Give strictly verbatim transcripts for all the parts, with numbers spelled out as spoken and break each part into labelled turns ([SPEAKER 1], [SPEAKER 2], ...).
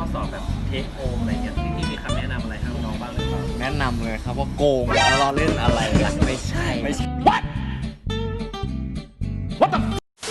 [SPEAKER 1] อสอบแบบเทคโฮมอะไรเงี้ยพี่มีคำแนะนำอะไรให้น้องบ้างหรือเปล่า
[SPEAKER 2] แนะนำเลยครับว่าโกงแล้วเราเล่นอะไรล่ะไม่ใช่ไม่ใช่ What What the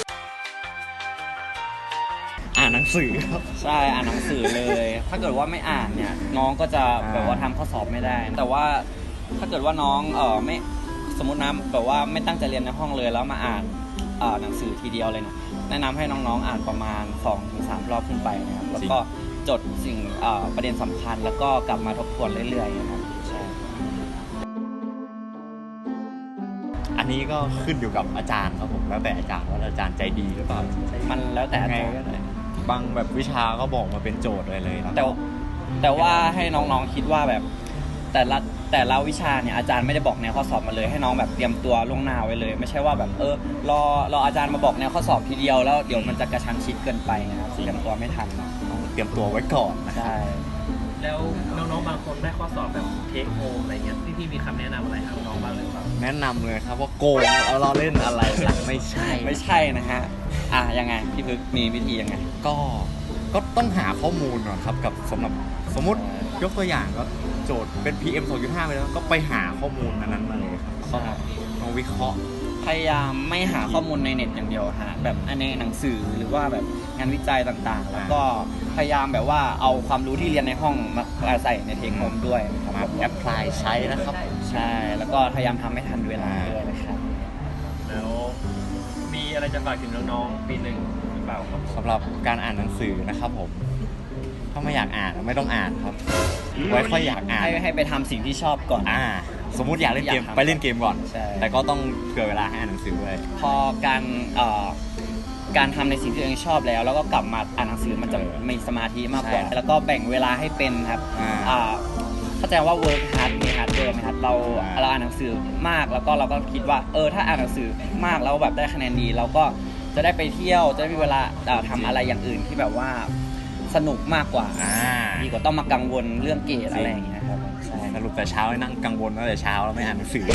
[SPEAKER 2] อ่านหนังสือครับ
[SPEAKER 3] ใช่อ่านหนังสือเลย ถ้าเกิดว่าไม่อ่านเนี่ยน้องก็จะแบบว่าทำข้อสอบไม่ได้ แต่ว่าถ้าเกิดว่าน้องเออไม่สมมตินะแบบว่าไม่ตั้งใจเรียนในห้องเลยแล้วมาอ่านเอ่อหนังสือทีเดียวเลยนะแนะนำให้น้องๆอ่านประมาณ สองถึงสาม รอบขึ้นไปนะครับแล้วก็จดสิ่งเอ่อประเด็นสำคัญแล้วก็กลับมาทบทวนเรื่อยๆนะครับใช่
[SPEAKER 2] อันนี้ก็ขึ้นอยู่กับอาจารย์ครับผมแล้วแต่อาจารย์ว่าอาจารย์ใจดีหรือเปล่า
[SPEAKER 3] มันแล้วแต่อา
[SPEAKER 2] ไง
[SPEAKER 3] จารย์
[SPEAKER 2] ก็ได้บางแบบวิชาก็บอกมาเป็นโจทย์เลยเลยนะ
[SPEAKER 3] แต่แต่ว่าให้น้องๆคิดว่าแบบแต่ละแต่ละวิชาเนี่ยอาจารย์ไม่ได้บอกแนวข้อสอบมาเลยให้น้องแบบเตรียมตัวล่วงหน้าไว้เลยไม่ใช่ว่าแบบเออรอรออาจารย์มาบอกแนวข้อสอบทีเดียวแล้วเดี๋ยวมันจะกระชั้นชิดเกินไปนะครับเตรียมตัวไม่ทัน
[SPEAKER 2] ต้องเตรียมตัวไว้ก่อนนะ
[SPEAKER 3] ใช่
[SPEAKER 1] แล้วน้องๆบางคนได้ข้อสอบแบบเทคโฮมอะไรเงี้ยพี่มีคำแนะนำอะไรให้น้องบ้างหรือเปล่า
[SPEAKER 2] แนะนำเลยครับว่าโกงแล้วเราเล่นอะไรล่ะไม่ใช่
[SPEAKER 3] ไม่ใช่นะฮะอ่ะยังไงพี่พึกมีวิธียังไง
[SPEAKER 2] ก็ก็ต้องหาข้อมูลก่อนครับกับสำหรับสมมุติยกตัวอย่างก็โจทย์เป็น พี เอ็ม สองจุดห้า ไปแล้วก็ไปหาข้อมูลอันนั้นมาเลยครับก็ต้องวิเคราะห์
[SPEAKER 3] พยายามไม่หาข้อมูลในเน็ตอย่างเดียวฮะแบบในหนังสือหรือว่าแบบงานวิจัยต่างๆ แล้วก็พยายามแบบว่าเอาความรู้ที่เรียนในห้องมาใส่ในเทคโฮมด้วยครับ
[SPEAKER 2] มาแอพพลายใช้นะครับ
[SPEAKER 3] ใช่แล้วก็พยายามทำให้ทันเวลาด้วยนะครับ
[SPEAKER 1] แล้วมีอะไรจะฝากถึงน้องๆปีหนึ่งหรือเปล่าครับ
[SPEAKER 2] สำหรับการอ่านหนังสือนะครับผมถ้าไม่อยากอ่านไม่ต้องอ่านครับไว้ค่อยอยากอ่าน
[SPEAKER 3] ให้ให้ไปทำสิ่งที่ชอบก่อน
[SPEAKER 2] อ่าสมมุติอยากเล่นเกมไปเล่นเกมก่อนแต่ก็ต้องเผื่อเวลาให้อ่านหนังสือด้วย
[SPEAKER 3] พอการเอ่อการทำในสิ่งที่ตัวเองชอบแล้วแล้วก็กลับมาอ่านหนังสือมันจะมีสมาธิมากกว่าแล้วก็แบ่งเวลาให้เป็นครับอ่าเข้าใจว่า work hard มี hard work นะครับเราเราอ่านหนังสือมากแล้วก็เราก็คิดว่าเออถ้าอ่านหนังสือมากแล้วแบบได้คะแนนดีเราก็จะได้ไปเที่ยวจะได้มีเวลาทำอะไรอย่างอื่นที่แบบว่าสนุกมากกว่าดีกว่าต้องมากังวลเรื่องเกรดอะไรอย่างเงี้ยครับ
[SPEAKER 2] ใช่สรุปแต่เช้าให้นั่งกังวลตั้งแต่เช้าแล้วไม่อ่านหนังสือ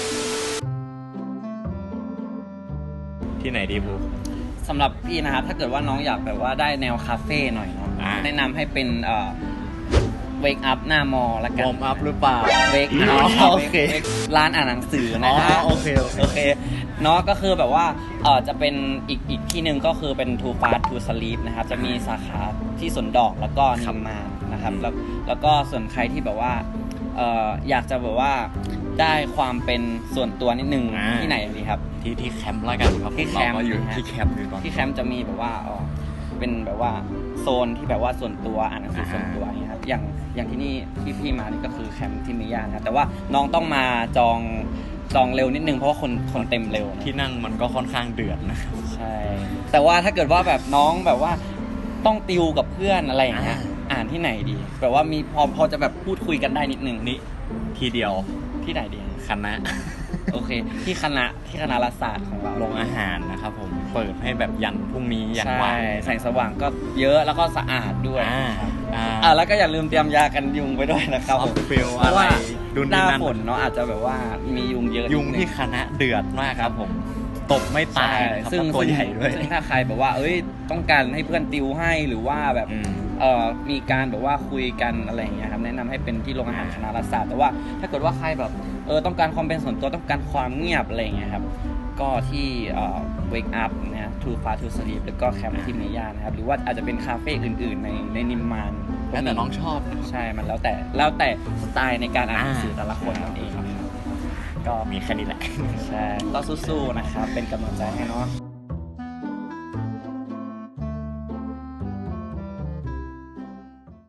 [SPEAKER 2] ที่ไหนดีบู
[SPEAKER 3] สำหรับพี่นะครับถ้าเกิดว่าน้องอยากแบบว่าได้แนวคาเฟ่หน่อยเนาะแนะนำให้เป็นเอ่อ wake up หน้ามอละกัน
[SPEAKER 2] warm up หรือเปล่า
[SPEAKER 3] wake
[SPEAKER 2] อ๋อโอเค
[SPEAKER 3] ร้านอ่านหนังสือนะฮะ
[SPEAKER 2] โอเค
[SPEAKER 3] โอเคเนาะก็คือแบบว่าเอ่อจะเป็นอีกอีกที่หนึ่งก็คือเป็น too fast to sleep นะครับจะมีสาขาที่สวนดอกแล้วก็นิมมานนะครับแล้วแล้วก็ส่วนใครที่แบบว่าเอ่ออยากจะแบบว่าได้ความเป็นส่วนตัวนิดนึงที่ไหนดีครับ
[SPEAKER 2] ที่ที่แคมป์ละกันครับ
[SPEAKER 3] ที่แคมป์
[SPEAKER 2] อยู่ที่แคมป์อยู่ตอน
[SPEAKER 3] ที่แคมป์จะมีแบบว่าอ๋อเป็นแบบว่าโซนที่แบบว่าส่วนตัวอ่านหนังสือส่วนตัวอย่างเงี้ยครับอย่างอย่างที่นี่ที่พี่มานี่ก็คือแคมป์ที่มีย่านนะแต่ว่าน้องต้องมาจองจองเร็วนิดนึงเพราะว่าคนคนเต็มเร็ว
[SPEAKER 2] ที่นั่งมันก็ค่อนข้างเดือดนะครับ
[SPEAKER 3] ใช่แต่ว่าถ้าเกิดว่าแบบน้องแบบว่าต้องติวกับเพื่อนอะไรอย่างเงี้ยอ่านที่ไหนดีแบบว่ามีพอพอจะแบบพูดคุยกันได้นิดนึง
[SPEAKER 2] นี่ทีเดียว
[SPEAKER 3] ที่ไหนดี
[SPEAKER 2] คณะ
[SPEAKER 3] โอเคที่คณะที่คณะรัฐศาสตร์ของเรา
[SPEAKER 2] โรงอาหารนะครับผมเปิดให้แบบยันพรุ่งนี้ยันวัน
[SPEAKER 3] แสงสว่างก็เยอะแล้วก็สะอาดด้วย
[SPEAKER 2] อ่า
[SPEAKER 3] อ่าแล้วก็อย่าลืมเตรียมยากันยุงไปด้วยนะครับ
[SPEAKER 2] เพราะว่า
[SPEAKER 3] หน้าฝนเนาะอาจจะแบบว่ามียุงเยอะ
[SPEAKER 2] ยุงที่คณะเดือดมากครับผมตบไม่ตาย
[SPEAKER 3] ซึ่ง
[SPEAKER 2] ตัวใหญ่ด้วย
[SPEAKER 3] ซึ่งถ้าใครแบบว่าเอ้ยต้องการให้เพื่อนติวให้หรือว่าแบบเอ่อมีการแบบว่าคุยกันอะไรอย่างเงี้ยครับแนะนำให้เป็นที่โรงอาหารคณะรัฐศาสตร์แต่ว่าถ้าเกิดว่าใครแบบเออต้องการความเป็นส่วนตัวต้องการความเงียบอะไรอย่างเงี้ยครับก็ที่เอ่อ wake up นะ too fast to sleep แล้วก็แคมป์ที่เมย่านะครับหรือว่าอาจจะเป็นคาเฟ่อื่นๆในในนิมมาน
[SPEAKER 2] แล้วแต่น้องชอบ
[SPEAKER 3] ใช่มันแล้วแต่แล้วแต่สไตล์ในการอ่านหนังสือแต่ละคนนั่นเอง
[SPEAKER 2] ก็มีแค่นี้แหละ
[SPEAKER 3] ใช่ก็สู้ๆนะครับเป็นกำลังใจให้เนาะ